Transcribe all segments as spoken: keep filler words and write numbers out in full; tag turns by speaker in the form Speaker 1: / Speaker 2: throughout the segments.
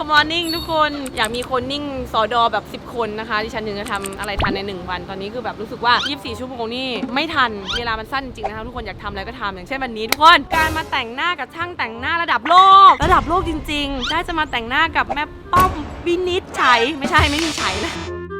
Speaker 1: มอร์นิ่งทุกคนอยากมีคนนิ่งสอดอแบบสิบคนนะคะดิฉันถึงจะทำอะไรทันในหนึ่งวันตอนนี้คือแบบรู้สึกว่ายี่สิบสี่ชั่วโมงนี่ไม่ทันเวลามันสั้นจริงนะคะทุกคนอยากทำอะไรก็ทำอย่างเช่นวันนี้ทุกคนการมาแต่งหน้ากับช่างแต่งหน้าระดับโลกระดับโลกจริงๆได้จะมาแต่งหน้ากับแม่ป้อมวินิจฉัยไม่ใช่ไม่มีฉัยนะ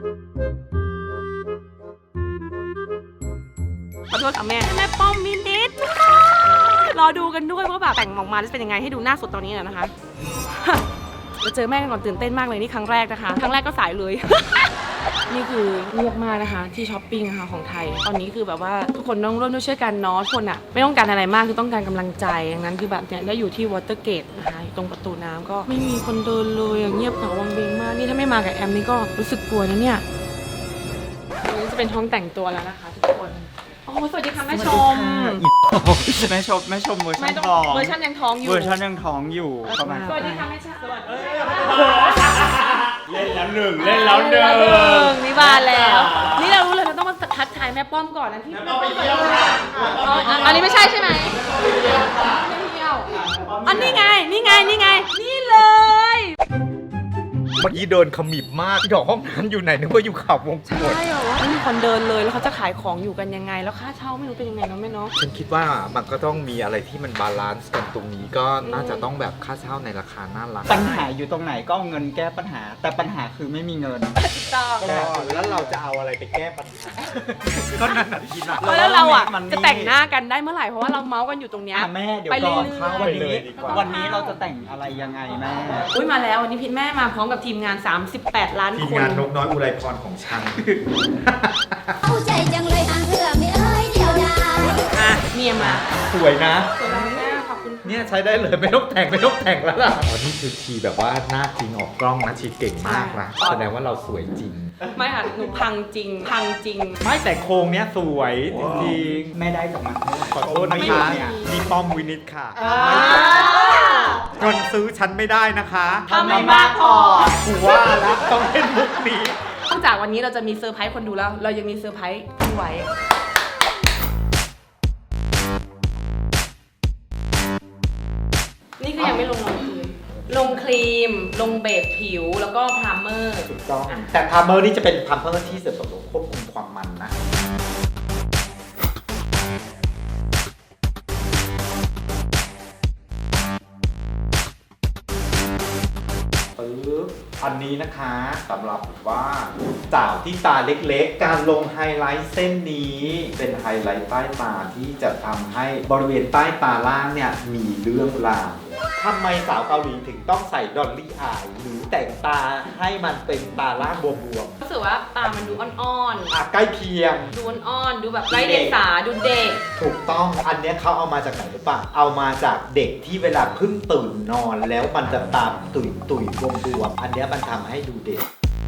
Speaker 1: ขอโทษค่ะแม่แม่ป้อมวินิจรอดูกันด้วยว่าแบบแต่งออกมาจะเป็นยังไงให้ดูหน้าสดตอนนี้นะคะจะเจอแม่กันก่อนตื่นเต้นมากเลยนี่ครั้งแรกนะคะครั้งแรกก็สายเลย นี่คือเงียบมากนะคะที่ช้อปปิ้งนะคะของไทยตอนนี้คือแบบว่าทุกคนต้องร่วมด้วยช่วยกันเนาะทุกคนอะไม่ต้องการอะไรมากคือต้องการกำลังใจดังนั้นคือแบบเนี่ยได้อยู่ที่วอเตอร์เกตนะคะตรงประตูน้ำก็ไม่มีคนเดินเลยเงียบเหงาวังเวงมากนี่ถ้าไม่มากับแอมนี่ก็รู้สึกกลัวนะเนี่ยนี่จะเป็นห้องแต่งตัวแล้วนะคะทุกคนโอ้สวัสดีค่ะแม่ชม
Speaker 2: แม่ชมแม่ชมเวอร์ชั
Speaker 1: ไม่
Speaker 2: น
Speaker 1: ต้อง
Speaker 2: ท้อง
Speaker 1: เวอร์ชันยังท้องอยู่
Speaker 2: เวอร์ชันยังท้องอยู่ประมาณ
Speaker 1: สวัสดีค่ะแม่ชมสวัสดี
Speaker 2: เล่นแล้วหนึ่งเล่นแล้วหนึ่ง
Speaker 1: นี่บานแล้ว นี่เรารู้เลยเราต้องมาทักทายแม่ป้อมก่อนนะที่แม่ป้อมไปเที่ยวอันนี้ไม่ใช่ใช่ไหมไม่เที่ยวอันนี้ไงนี่ไงนี่ไงนี่เลย
Speaker 3: เมื่อกี้เดินขมิบมากที่ดอกห้องน้ำอยู่ไหนนึกว่าอยู่ข่าววงกต
Speaker 1: ใช่เหรอวะไม่มีคนเดินเลยแล้วเขาจะขายของอยู่กันยังไงแล้วค่าเช่าไม่รู้เป็นยังไงเนาะแม่เนาะ
Speaker 3: ฉันคิดว่ามันก็ต้องมีอะไรที่มันบาลานซ์กันตรงนี้ก็น่าจะต้องแบบค่าเช่าในราคาน่ารัก
Speaker 2: ปัญหาอยู่ตรงไหนก็เอาเงินแก้ปัญหา แต่ปัญหาคือไม่มีเงิน
Speaker 1: ถูกต้อง
Speaker 3: ก็แล้วเราจะเอาอะไรไปแก้ปัญหา ก็นั่นแหละที่น่ะ
Speaker 1: แล้วเราอ่ะ
Speaker 2: มันนี่
Speaker 1: จะแต่งหน้ากันได้เมื่อไหร่เพราะว่าเราเมาส์กันอยู่ตรงเนี้ย
Speaker 2: อ่ะแม่เดี๋ยว
Speaker 1: ไป
Speaker 2: ก่อน
Speaker 1: เรื่อยๆ
Speaker 2: เข้าวันนี้
Speaker 3: ไปเลยดีกว่า
Speaker 2: วันนี้เราจะแต่งอะไรยังไงแม่
Speaker 1: อุ้ยมาแล้ววันนี้พี่แม่มาพร้อมกับทีมงานสามสิบแปดล้าน
Speaker 3: ทีม
Speaker 1: คน
Speaker 3: งานนกน้อยอุไรพรของฉัน
Speaker 4: เอาใจจังเลยอ่างเถื่อไม่เอ้ยเดียวดาย
Speaker 1: อ่ะเมียมา
Speaker 3: สวยนะ
Speaker 1: สวยมากขอบคุณ
Speaker 3: เนี่ยใช้ได้เลยไม่ต้องแต่งไม่ต้องแต่งแล้วล่ะอ๋อนี่คือชีแบบว่าหน้าจริงออกกล้องนะชีเก่งมากนะแสดงว่าเราสวยจริง
Speaker 1: ไม่ค่ะหนูพังจริงพังจริง
Speaker 3: ไม่แต่โครงเนี้ยสวยจริง
Speaker 2: แม่ได้จากมันเท่าไหร่
Speaker 3: ๆขอโทษนะคะ
Speaker 2: เนี่ย
Speaker 3: มีป้อมวินิจค่ะ
Speaker 1: อ่า
Speaker 3: เงินซื้อฉันไม่ได้นะคะ
Speaker 1: ถ้าไม่มากพอ
Speaker 3: กูว่าแล้วต้องเล่นมุกนี้
Speaker 1: นอกจากวันนี้เราจะมีเซอร์ไพรส์คนดูแล้ว เรายังมีเซอร์ไพรส์พี่ไว้นี่คือยังไม่ลงรองพื้นลงครีม ลงเบสผิวแล้วก็พรามเมอร์
Speaker 3: ถูกต้องแต่พาร์เมอร์นี่จะเป็นพาร์เมอร์ที่เสริมสมควบคุมความมันนะปึ๊บอันนี้นะคะสำหรับว่าสาวที่ตาเล็กๆ การลงไฮไลท์เส้นนี้เป็นไฮไลท์ใต้ตาที่จะทำให้บริเวณใต้ตาล่างเนี่ยมีเรื่องราวทำไมสาวเกาหลีถึงต้องใส่ดอลลี่อายหรือแต่งตาให้มันเป็นตาล่างบวม
Speaker 1: รู้สึกว่าตามันดูอ่อน
Speaker 3: ๆอ่ะใกล้เคียง
Speaker 1: ๆ ดูอ่อนๆ ดูแบบไร้เดียงสาดูเด็ก
Speaker 3: ถูกต้อง อันเนี้ยเขาเอามาจากไหนหรือเปล่า เอามาจากเด็กที่เวลาเพิ่งตื่นนอนแล้วมันจะตามตุยตุยบวมบวมๆอันเนี้ยมันทำให้ดูเด็ก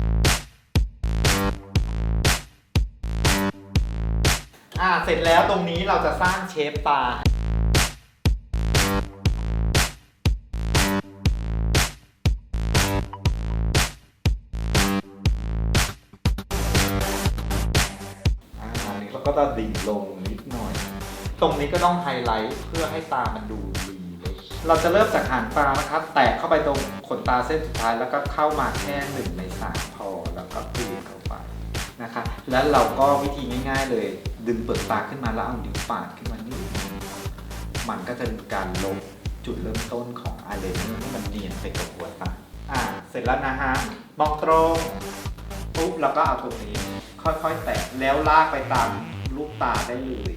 Speaker 3: อ่าเสร็จแล้วตรงนี้เราจะสร้างเชฟตา อ่าอันนี้เราก็จะดิ่งลงนิดหน่อย ตรงนี้ก็ต้องไฮไลท์เพื่อให้ตามันดูดีเลย เราจะเริ่มจากหางตานะครับ แตะเข้าไปตรงขนตาเส้นสุดท้ายแล้วก็เข้ามาแค่หนึ่งในสามพอแล้วก็กลืนเข้าไปนะคะแล้วเราก็วิธีง่ายๆเลย ดึงเปลือกตาขึ้นมาแล้วเอานิ้วปาดขึ้นมานิดนึงมันก็จะเป็นการลบจุดเริ่มต้นของอายไลเนอร์ให้มันเนียนไปกับหัวตาอ่าเสร็จแล้วนะฮะมองตรงปุ๊บแล้วก็เอาตรงนี้ค่อยๆแตะแล้วลากไปตามลูกตาได้เลย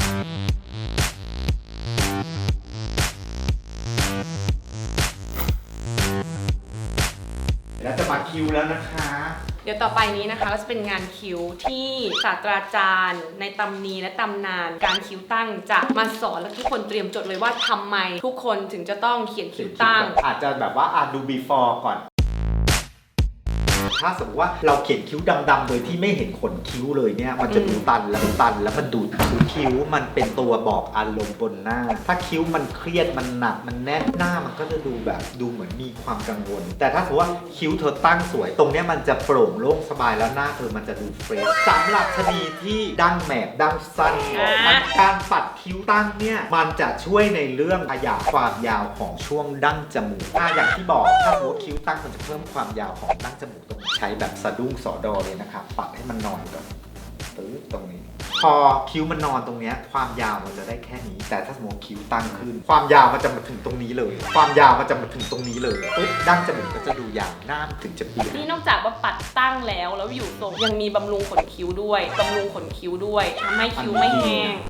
Speaker 3: แล้วจะมาคิวแล้วนะคะ
Speaker 1: เดี๋ยวต่อไปนี้นะคะก็จะเป็นงานคิ้วที่ศาสตราจารย์ในตำนีและตำนาน การคิ้วตั้งจะมาสอนและทุกคนเตรียมจดเลยว่าทำไมทุกคนถึงจะต้องเขียนคิ้วตั้ง
Speaker 3: อาจจะแบบว่าอ่ะดู before ก่อนถ้าสมมติว่าเราเขียนคิ้วดำๆโดยที่ไม่เห็นขนคิ้วเลยเนี่ยมันจะดูตันแล้วตันแล้วมันดูดคือคิ้วมันเป็นตัวบอกอารมณ์บนหน้า ถ้าคิ้วมันเครียดมันหนักมันแน่นหน้ามันก็จะดูแบบดูเหมือนมีความกังวล แต่ถ้าสมมติว่าคิ้วเธอตั้งสวยตรงเนี้ยมันจะโปร่งโล่งสบายแล้วหน้าเธอมันจะดูเฟรชสำหรับชนีที่ดั้งแมบดั้งสั้นมันการปัดคิ้วตั้งเนี่ยมันจะช่วยในเรื่องขยายความยาวของช่วงดั้งจมูกอ่ะอย่างที่บอกถ้าสมมติว่าคิ้วตั้งมันจะเพิ่มความยาวของดั้งจมูกตรงนี้ใช้แบบสะดุ้งสอดอเลยนะครับปัดให้มันนอนก่อนตึ๊ดตรงนี้ พอคิ้วมันนอนตรงเนี้ยความยาวมันจะได้แค่นี้ แต่ถ้าสมมติคิ้วตั้งขึ้น ความยาวมันจะมาถึงตรงนี้เลย ความยาวมันจะมาถึงตรงนี้เลยปุ๊บดั้งจมูกก็จะดูยาวหน้ามันถึงจะเปลี่ยน
Speaker 1: นี่นอกจากว่าปัดตั้งแล้วแล้วอยู่ทรงยังมีบำรุงขนคิ้วด้วยบำรุงขนคิ้วด้วยทำให้คิ้วไม่แห้ง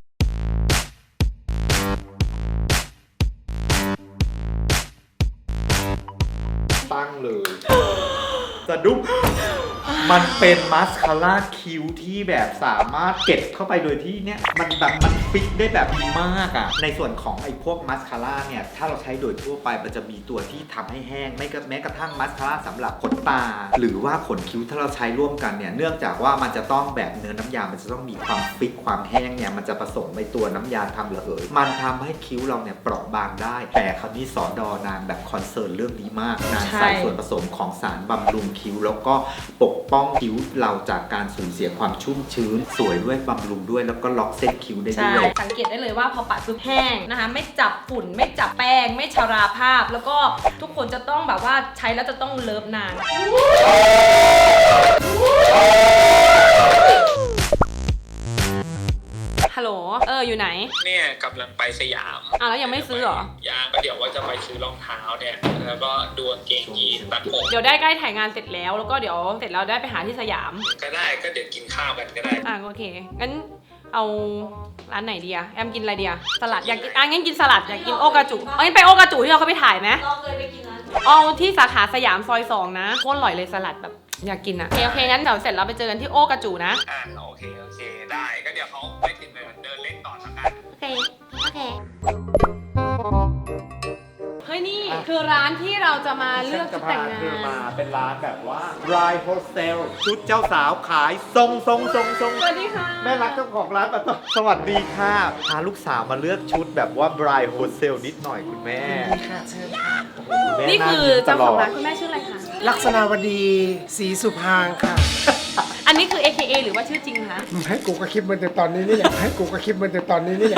Speaker 3: ตั้งเลย สะดุ้งมันเป็นมาสคาร่าคิ้วที่แบบสามารถเก็บเข้าไปโดยที่เนี่ยมันแบบมันฟิกได้แบบดีมากอะ่ะในส่วนของไอ้พวกมาสคาร่าเนี่ยถ้าเราใช้โดยทั่วไปมันจะมีตัวที่ทำให้แห้งไม่ก็แม้กระทั่งมาสคาร่าสำหรับขนตา หรือว่าขนคิ้วถ้าเราใช้ร่วมกันเนี่ยเนื่องจากว่ามันจะต้องแบบเนื้อน้ำยามันจะต้องมีความฟิกความแห้งเนี่ยมันจะผสมในตัวน้ำยาทำระเหยมันทำให้คิ้วเราเนี่ยเปราะบางได้แต่คราวนี้สอดอนางแบบคอนเซิร์นเรื่องนี้มากนางใส่ส่วนผสมของสารบำรุงคิ้วแล้วก็ปกป้องคิ้วเราจากการสูญเสียความชุ่มชื้นสวยด้วยบำรุงด้วยแล้วก็ล็อกเส้นคิ้วได้
Speaker 1: ใช่
Speaker 3: ด้วย
Speaker 1: สังเกตได้เลยว่าพอปัดปุ๊บแห้งนะคะไม่จับฝุ่นไม่จับแป้งไม่ชราภาพ แล้วก็ทุกคนจะต้องแบบว่าใช้แล้วจะต้องเลิฟนานฮัลโหลเอออยู่ไหน
Speaker 5: เนี่ยกำลังไปสยาม
Speaker 1: อ่ะแล้วยังไม่ซื้อเหรอ
Speaker 5: ยังก็เดี๋ยวว่าจะไปซื้อรองเท้าเนี่ยแล้วก็ดูกางเกงยีนตัดผม
Speaker 1: เดี๋ยวได้ใกล้ถ่ายงานเสร็จแล้วแล้วก็เดี๋ยวเสร็จแล้วได้ไปหาที่สยาม
Speaker 5: ก็ได้ก็เดี๋ยวกินข้าวกันก็ได้
Speaker 1: อ่ะโอเคงั้นเอาร้านไหนดีอะแอมกินอะไรดีอะสลัดอยากกินอ่ะงั้นกินสลัดอยากกินโอกาจูเอางั้นไปโอกาจูที่เราเขาไปถ่ายไหมเราเคยไปกินนะเอาที่สาขาสยามซอยสองนะโคตรอร่อยเลยสลัดแบบอยากกินอะโอเคโอเคงั้นเดี๋ยวเสร็จเราไปเจอกันที่โอกาจูนะ
Speaker 5: อ่าโอเคโอเคได้ก็เดี๋ยวเขาไปถึงเดินเดินเล่นต่อแล้วกัน
Speaker 1: โอเคโอเคเฮ้ยนี่คือร้านที่เราจะมาเลือกชุดแต่งงา
Speaker 3: คือน มาเป็นร้านแบบว่า Bride Hostel ชุดเจ้าสาวขายทรงทรงทรงทรง
Speaker 1: สวัสดีค่ะ
Speaker 3: แม่รักเจ้าของร้านมาต้อนสวัสดีค่ะพาลูกสาวมาเลือกชุดแบบว่า Bride Hostel นิดหน่อยคุณแม่
Speaker 6: ค่ะเชิญค่ะ
Speaker 3: ณแม่
Speaker 1: นี่คือ
Speaker 3: ยิ้มต
Speaker 1: เจ้า
Speaker 3: ล
Speaker 1: ของ
Speaker 3: ด
Speaker 1: ร้านคุณแม่ชื่ออะไรคะ
Speaker 6: ลักษณาวดีศรีสุพางค์ค่ะ
Speaker 1: อันนี้คือ เอ เค เอ หรือว่าชื่อจริงคะ
Speaker 6: ให้กูกระคลิปมันแต่ตอนนี้นี่แหละให้กูกระคลิปมันแต่ตอนนี้นี่แหละ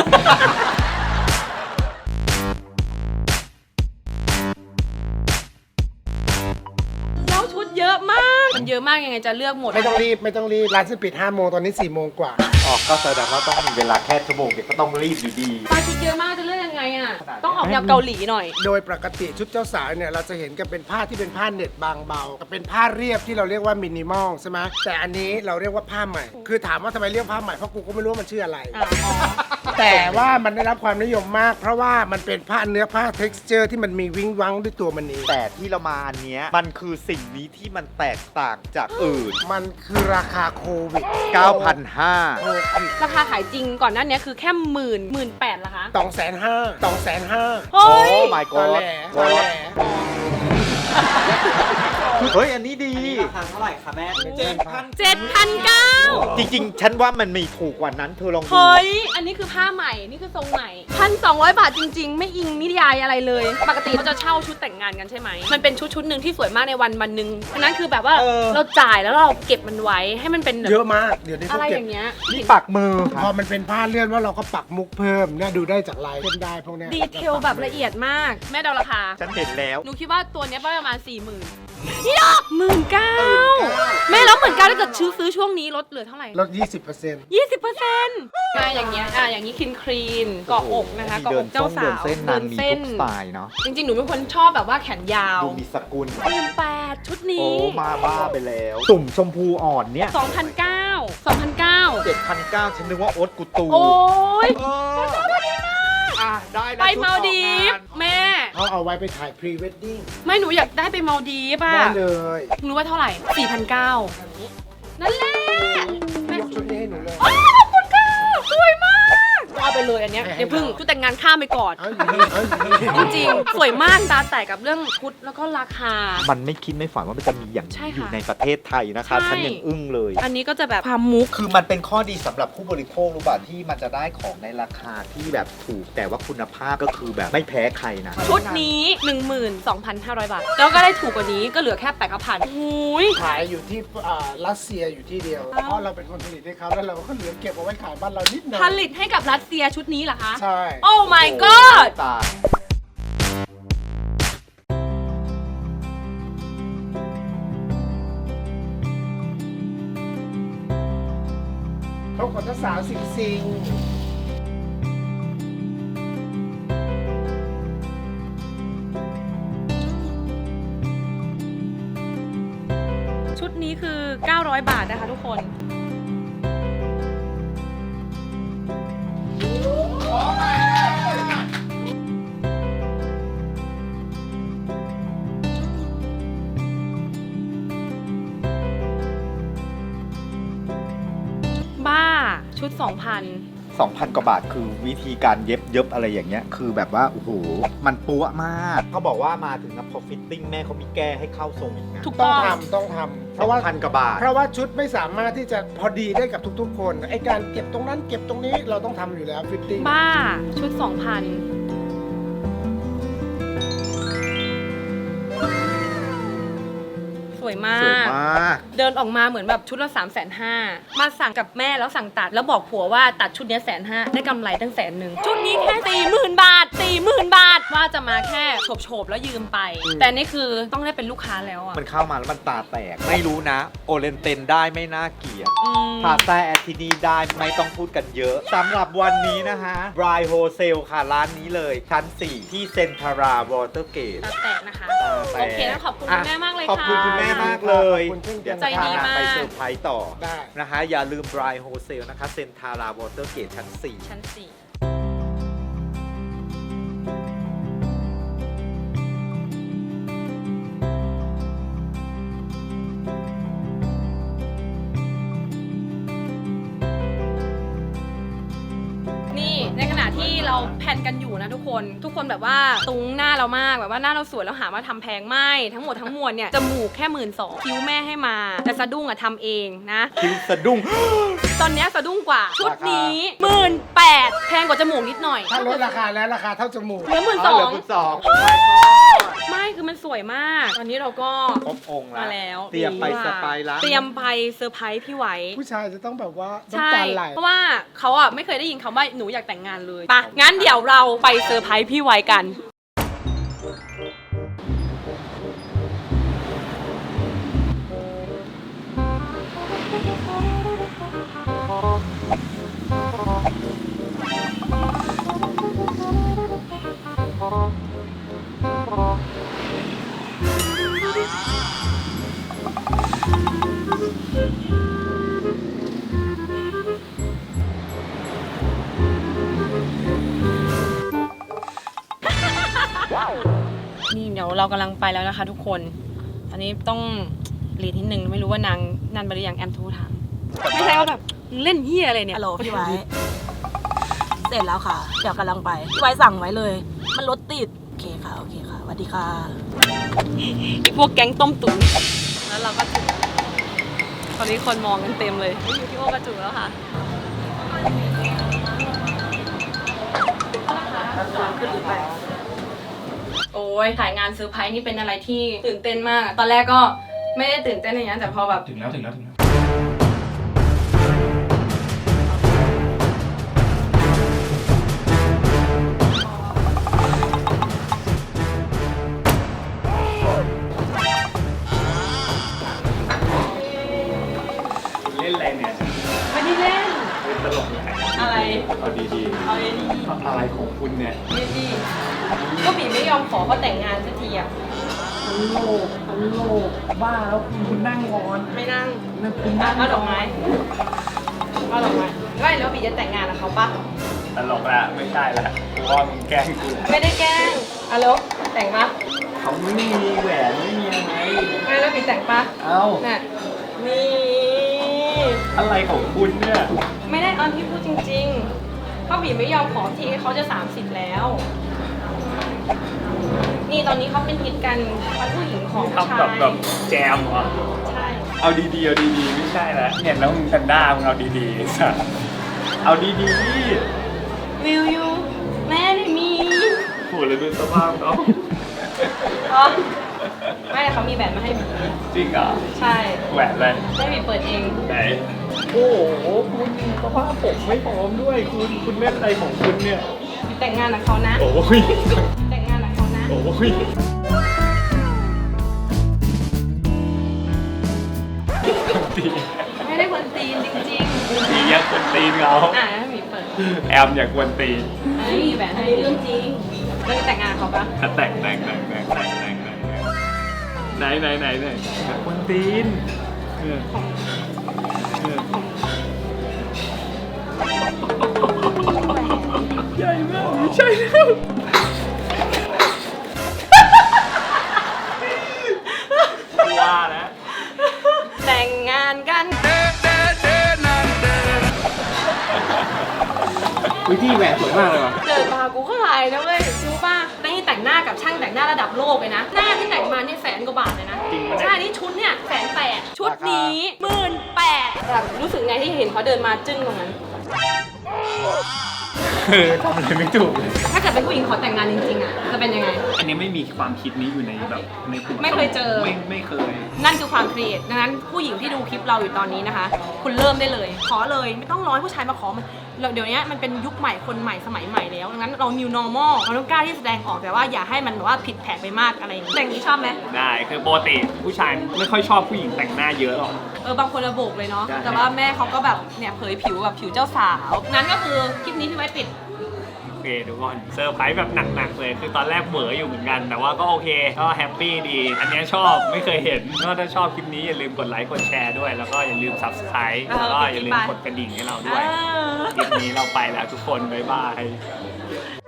Speaker 1: แล้วชุดเยอะมาก มันเยอะมากยังไงจะเลือกหมด
Speaker 6: ไม่ต้องรีบไม่ต้องรีบร้านจะปิดห้าโมงตอนนี้สี่โมงกว่า
Speaker 3: ออกก็แสดงว่าต้องมีเวลาแค่ชั่วโมงเดียวก็ต้องรีบอยู่ดี
Speaker 1: มาชุดเยอะมากจะเลือกยังไงอ่ะ ต้องออกแนวเกาหลีหน่อย
Speaker 6: โดยปกติชุดเจ้าสาวเนี่ยเราจะเห็นกันเป็นผ้าที่เป็นผ้าเน็ตบางเบากับเป็นผ้าเรียบที่เราเรียกว่ามินิมอลใช่ไหมแต่อันนี้เราเรียกว่าผ้าใหม่ คือถามว่าทำไมเรียกผ้าใหม่เพราะกูก็ไม่รู้ว่ามันชื่ออะไร
Speaker 1: อ่ะอ๋อ
Speaker 6: แต่ว่ามันได้รับความนิยมมาก เพราะว่ามันเป็นผ้าเนื้อผ้า texture ที่มันมีวิ้งวังด้วยตัวมันเอง
Speaker 3: แต่ที่เรามาอันเนี้ยมันคือสิ่งนี้ที่มันแตกต่างจากอื่น
Speaker 6: มันคือราคาโควิด
Speaker 3: เก้าพันห้า
Speaker 6: โควิด
Speaker 1: ราคาขายจริงก่อนหน้านี้คือแค่หมื่นหมื่นแปดละคะ
Speaker 6: สองแสนห้าสองแสนห้า
Speaker 1: เฮ้ย
Speaker 3: โอ้ my
Speaker 6: ตอ
Speaker 3: god
Speaker 6: แหลตอแหล
Speaker 3: เฮ้ย อันนี้ดี
Speaker 7: ราคาเท่าไหร่คะแม่
Speaker 6: เจ็ดพัน
Speaker 1: เจ็ดพันเก้า
Speaker 3: จริงๆ ฉันว่ามันมีถูกกว่านั้นเธอลองดู
Speaker 1: เฮ้ย อันนี้คือผ้าใหม่ นี่คือทรงใหม่พันสองร้อยบาทจริง ๆ ไม่อิงนิยายอะไรเลย ปกติเขาจะเช่าชุดแต่งงานกันใช่ไหม มันเป็นชุดชุดหนึ่งที่สวยมากในวันวันหนึ่งอันนั้นคือแบบว่า
Speaker 3: เออ
Speaker 1: เราจ่ายแล้วเราเก็บมันไว้ให้มันเป็นแบบ
Speaker 6: เยอะมาก เดี๋ยวนี้
Speaker 1: อะ
Speaker 6: เขา
Speaker 1: ไร
Speaker 6: เก็
Speaker 1: อบ ย่างเงี้ย
Speaker 3: นี่ปักมือ
Speaker 6: พอมันเป็นผ้าเลื่อนว่าเราก็ปักมุกเพิ่มเนี่ยดูได้จากลายเส้นได้พวกเนี้ย
Speaker 1: ดีเทลแบบละเอียดมาก แม่เดาราคา
Speaker 3: ฉันเห็นแล้ว
Speaker 1: หนูคิดว่าตัวเนี้ยประมาณสี่หมื่นนี่ดอกหมื่นเก้าแม่แล้วหมื่นเก้าถ้าเกิดซื้อซื้อช่วงนี้ลดเหลือเท่าไหร่
Speaker 6: ลด ยี่สิบเปอร์เซ็นต์
Speaker 1: ยี่สิบเปอร์เซ็นต์อ่ะอย่างเงี้ยอ่ะอย่างนี้คินครีนเกาะอกนะคะเกาะอกเจ้าสาว
Speaker 3: เดินเส้นนางมีทุกสไตล์เนาะ
Speaker 1: จริงๆ หนูเป็นคนชอบแบบว่าแขนยาว
Speaker 3: ดูมีสกุล
Speaker 1: หมื่นแปดชุด
Speaker 3: โอ้
Speaker 1: นี้
Speaker 3: มาบ้าไปแล้ว ตุ่มชมพูอ่อนเนี่ย
Speaker 1: สองพันเก้า สองพันเก้า
Speaker 3: เจ็ดพันเก้าฉันนึกว่าโอ๊ตกูตู
Speaker 1: โอ้ย
Speaker 3: เอออ่ะได้แล้ว
Speaker 1: ไป
Speaker 3: ชุ
Speaker 1: มาล
Speaker 3: ออก
Speaker 1: ดี
Speaker 3: ง
Speaker 1: ฟ
Speaker 3: น
Speaker 1: แม่
Speaker 6: เขาเอาไว้ไปถ่ายพรีเวดดิ้ง
Speaker 1: ไม่หนูอยากได้ไปมาลดีฟป่ะ
Speaker 6: ได้เลย
Speaker 1: รู้ว่าเท่าไหร่ สี่พันเก้า นั่นแหละแม่
Speaker 6: ยกชุดนี้ให้หนูเลย
Speaker 1: อ้าวขอบคุณค่ะสวยมาก
Speaker 6: ได้
Speaker 1: เอาไปเลยอันเนี้ย
Speaker 6: ให้ให้
Speaker 1: เดี๋ยวพึ่ง
Speaker 6: เรา
Speaker 1: ชุดแต่งงานข้ามไปก่อน
Speaker 6: เอาอยู่นี่เอาอยู่นี่
Speaker 1: จริงๆ สวยมากตาแตกกับเรื่องชุดแล้วก็ราคา
Speaker 3: มันไม่คิดไม่ฝันว่ามันจะมีอย่าง
Speaker 1: ใช่
Speaker 3: นี้
Speaker 1: ค่ะ
Speaker 3: อยู่ในประเทศไทยนะคะ
Speaker 1: ใช่
Speaker 3: ฉันยังอึ้งเลย
Speaker 1: อันนี้ก็จะแบบความมุก
Speaker 3: คือมันเป็นข้อดีสำหรับผู้บริโภครู้ป่ะที่มันจะได้ของในราคาที่แบบถูกแต่ว่าคุณภาพก็คือแบบไม่แพ้ใครนะ
Speaker 1: ชุดนี้ หนึ่งหมื่นสองพันห้าร้อย บาท แล้วก็ได้ถูกกว่านี้ก็เหลือแค่แปดพันหูย
Speaker 6: ขายอยู่ที่อ่ารัสเซียอยู่ที่เดียว
Speaker 1: อ้าว
Speaker 6: เพราะเราเป็นคนผลิตให้เขาแล้วเราก็เหลือเก็บเอาไว้ขายบ้านเรานิดหน่อย
Speaker 1: ผลิตให้กับรัสเซียชุดนี้เหรอคะ
Speaker 6: ใช่
Speaker 1: โอ้ my god
Speaker 3: ตาย
Speaker 6: เขาขนสาวสิงสิง
Speaker 1: ชุดนี้คือ เก้าร้อย บาทนะคะทุกคน บ้า ชุด สองพัน
Speaker 3: สองพัน กว่าบาทคือวิธีการเย็บเย็บอะไรอย่างเงี้ยคือแบบว่าโอ้โหมันปั๊วมากเขาบอกว่ามาถึงนะพอฟิตติ้งแม่เขามีแก้ให้เข้าทรงอีกนะ
Speaker 1: ถูก
Speaker 6: ต้
Speaker 1: ต้
Speaker 6: อ
Speaker 1: อง ง
Speaker 6: ทำต้องทำเพ
Speaker 3: สอง
Speaker 6: ราะว่า
Speaker 3: พันกว่าบาท
Speaker 6: เพราะว่าชุดไม่สามารถที่จะพอดีได้กับทุกๆ คนไอการเก็บตรงนั้นเก็บตรงนี้เราต้องทำอยู่แล้วฟิตติ้ง
Speaker 1: บ้า ชุด สองพัน สวยมา
Speaker 3: สวย
Speaker 1: ก
Speaker 3: มาก
Speaker 1: เดินออกมาเหมือนแบบชุดละ3ามแสนห้ามาสั่งกับแม่แล้วสั่งตัด แล้วบอกผัวว่าตัดชุดเนี้แสนห้าได้กำไรตั้งแสนหนึ่งชุดนี้แค่สี่หมื่นบาทสี่หมื่นบาท ว่าจะมาแค่โฉบๆแล้วยืมไป แต่นี่คือต้องได้เป็นลูกค้าแล้วอ่ะ
Speaker 3: มันเข้ามาแล้วมันตาแตก ไม่รู้นะ โอเลนเตนได้ไม่น่าเกลียด
Speaker 1: อืม
Speaker 3: พาซ่าแอทที่นี่ได้ไม่ต้องพูดกันเยอะสำหรับวันนี้นะฮะ Dry Wholesale ค่ะ ร้านนี้เลย ชั้น สี่ ที่เซนทาราวอเตอร์เกต
Speaker 1: ตาแตกนะคะ
Speaker 3: แตก
Speaker 1: โอเคแล้วขอบคุณคุณแม่มากเลย
Speaker 3: ขอบ
Speaker 1: ค่ะ
Speaker 3: คุณคุณแม่มากเลย
Speaker 6: ขอบคุณเช่น
Speaker 3: เดี๋
Speaker 6: กั
Speaker 3: ยวน
Speaker 1: ใจ
Speaker 3: จะพา
Speaker 1: ดี
Speaker 3: นาง
Speaker 1: มาก
Speaker 3: ไปเซอร์ไพรส์ต่อ
Speaker 6: ได้
Speaker 3: นะคะ อย่าลืม Dry Wholesale นะคะเซนทาราวอเตอร์เกตชั้น สี่
Speaker 1: ชั้นสี่นี่ในขณะที่เราแพลนกันอยู่นะทุกคน ทุกคนแบบว่าตุ้งหน้าเรามากแบบว่าหน้าเราสวยแล้วหามาทำแพงไม่ทั้งหมดทั้งมวลเนี่ยจมูกแค่หมื่นสองคิ้วแม่ให้มา แต่สะดุ้งอะทำเองนะ
Speaker 3: คิ้วสะดุ้ง
Speaker 1: ตอนเนี้ยสะดุ้งกว่า ชุดนี้หมื่นแปดแพงกว่าจมูกนิดหน่อย
Speaker 6: ถ้าลดราคาแล้วราคาเท่าจมูก
Speaker 1: เหลือหมื่นส
Speaker 3: อ๋
Speaker 1: อ
Speaker 3: อเหลื
Speaker 1: ง
Speaker 3: อคุณสอง
Speaker 1: ไม่คือมันสวยมาก ตอนนี้เราก็
Speaker 3: ครบองค์
Speaker 1: มา
Speaker 3: แล้ว
Speaker 1: แล้ว
Speaker 3: เตรียมไปสไปร์ละ
Speaker 1: เตรียมไปเซอร์ไพรส์พี่ไว้
Speaker 6: ผู้ชายจะต้องแบบว่า
Speaker 1: ใช่
Speaker 6: น้ำตาไหล
Speaker 1: เพราะว่าเขาอ่ะไม่เคยได้ยินคำว่าหนูอยากแต่งงานเลยปะงั้นเดี๋ยวเราไปเซอร์ไพรส์พี่ไว้กัน นี่เดี๋ยวเรากำลังไปแล้วนะคะทุกคน อันนี้ต้องรีดนิดนึงไม่รู้ว่านางนันบริยังแอมโทรถามไม่ใช่ว่าแบบเล่นเฮียอะไรเนี่ย
Speaker 7: ฮัลโหลพี่ไว้ เสร็จแล้วค่ะ เดี๋ยวกำลังไป พี่ไว้สั่งไว้เลย มันรถติด โอเคค่ะ โอเคค่ะสวัสดีค่ะ
Speaker 1: ไอพวกแก๊งต้มตุ๋นแล้วเราก็ถึงตอนนี้คนมองกันเต็มเลยอยู่ที่โอกระจุกแล้วค่ะโอ้ยถ่ายงานเซอร์ไพรส์นี่เป็นอะไรที่ตื่นเต้นมาก ตอนแรกก็ไม่ได้ตื่นเต้นอย่างนั้นแต่พอแบบ
Speaker 2: ถึงแล้วถึงแล้วถึงแล้ว เล่นอะไรเนี่ย
Speaker 1: ไม่ได้เล่น
Speaker 2: เล่นตลกเลย
Speaker 1: อะไร
Speaker 2: เอาดี
Speaker 1: เอาเลยดี
Speaker 2: ๆอะไรของคุณเนี่ย
Speaker 1: ไม่ดีก็บีไม่ยอมขอเขาแต่งงานสักทีอ่ะ
Speaker 6: โลกโลกบ้าแล้วคุณนั่งก่อน
Speaker 1: ไม่นั่ง
Speaker 6: คุณ
Speaker 1: อ่ะ
Speaker 6: นั่ง
Speaker 1: เอาดอกไม้เอาดอกไม้ไม่แล้วบีจะแต่งงานกับเขาปะ
Speaker 2: ตลกละไม่ใช่ละเพราะว่ามึงแกล้งกู
Speaker 1: ไม่ได้แกล้งอะแล้วแต่งปะ
Speaker 2: เขาไม่มีแหวนไม่มีอะไร
Speaker 1: ไม่แล้วบีแต่งปะ
Speaker 2: เอ้า
Speaker 1: น่ะนี่
Speaker 2: อะไรของคุณเนี่ย
Speaker 1: ไม่ได้ตอนที่พูดจริงเขาบีไม่ยอมขอทีเขาจะสามสิบแล้ว นี่ตอนนี้เขาเป็นฮิตกันทั้งผู้หญิงของผู้
Speaker 2: ทำ
Speaker 1: ชา
Speaker 2: แบบ
Speaker 1: ย
Speaker 2: แบบแจมเหรอ
Speaker 1: ใช่
Speaker 2: เอาดีๆเอาดีๆไม่ใช่แล้วเห็นแล้วมึงแพนด้ามึงเอาดีๆสัสเอาดี
Speaker 1: วิวยูแม่ไม่มี
Speaker 2: ๆพูดแล้วดูสภาพเขา
Speaker 1: อ๋อไม่เขามีแหวนมาให้บี
Speaker 2: จริงเหรอ
Speaker 1: ใช่
Speaker 2: แหวนอะไร
Speaker 1: ให้บีเปิดเอง
Speaker 2: ไหนโอ้โหคุณสภาพผมไม่พร้อมด้วยคุณคุณเล่นอะไรของคุณเนี่ย
Speaker 1: บีแต่งงานกับเขานะ
Speaker 2: โอ้ย
Speaker 1: แต่งงานกับเขานะ
Speaker 2: โอ้ย ตี
Speaker 1: ไม่ได้คนตีนจริง
Speaker 2: ตีอยากกวนตีนเขา
Speaker 1: ๆ อ่ะให้บีเปิด
Speaker 2: แอมอยากกวนตีน
Speaker 1: อันนี้มีแหวนให้เรื่องจริงแล้วจะแต่งงานกับเขาปะ
Speaker 2: ถ้าแต่งแต่งแต่งแต่งแต่งแต่งแต่งไหนไหนไหนไหนอยากกวนตีนเออเออใหญ่มากไม่ใช่แล้วว่าแล้ว
Speaker 1: แต่งงานกัน
Speaker 2: วิธีแหวนสวยมากเลยว่ะ
Speaker 1: เกิดมากูก็ลายนะเว้ยรู้ป่ะนี่แต่งหน้ากับช่างแต่งหน้าระดับโลกเลยนะ หน้าที่แต่งมาเนี่ยแสนกว่าบาทเลยนะ
Speaker 2: จริงปะเนี่ย
Speaker 1: ใช่ นี่ชุดเนี่ยแสนแปดชุดนี้หมื่นแปดแบบรู้สึกไงที่เห็นเขาเดินมาจึ้งตรงนั้น
Speaker 2: เออทำอะไรไม่ถูกเลย
Speaker 1: ถ้าเกิดเป็นผู้หญิงขอแต่งงานจริงๆอ่ะ จะเป็นยังไง
Speaker 2: อันนี้ไม่มีความคิดนี้อยู่ในแบบในกลุ่ม
Speaker 1: ไม่เคยเจอ
Speaker 2: ไม่ไม่เคย
Speaker 1: นั่นคือความครีเอทดังนั้นผู้หญิงที่ดูคลิปเราอยู่ตอนนี้นะคะ คุณเริ่มได้เลย ขอเลยไม่ต้องรอให้ผู้ชายมาขอมันเราเดี๋ยวนี้มันเป็นยุคใหม่คนใหม่สมัยใหม่แล้วดังนั้นเรา new normal เราต้องกล้าที่แสดงออกแต่ว่าอย่าให้มันแบบว่าผิดแผกไปมากอะไรอย่างนี้แต่อย่างนี้ชอบไหม
Speaker 2: ได้คือปกติผู้ชายไม่ค่อยชอบผู้หญิงแต่งหน้าเยอะหรอก
Speaker 1: เออบางคนระโบกเลยเนาะ
Speaker 2: ใช่
Speaker 1: แต่ว่าแม่เขาก็แบบเนี่ยเผยผิวแบบผิวเจ้าสาวนั้นก็คือคลิปนี้พี่ไว้ปิด
Speaker 2: โอเคทุกคนเซอร์ไพรส์แบบหนักๆเลยคือตอนแรกเหวออยู่เหมือนกัน แต่ว่าก็โอเคก็แฮปปี้ดี อันเนี้ยชอบไม่เคยเห็นก็ถ้าชอบคลิปนี้อย่าลืมกดไลค์กดแชร์ด้วย แล้วก็อย่าลืม subscribe
Speaker 1: เออ
Speaker 2: แล้วก็อย่าลืม
Speaker 1: ไป
Speaker 2: กดกระดิ่งให้เราด้วย
Speaker 1: เออ
Speaker 2: คลิปนี้เราไปแล้วทุกคนบ๊ายบาย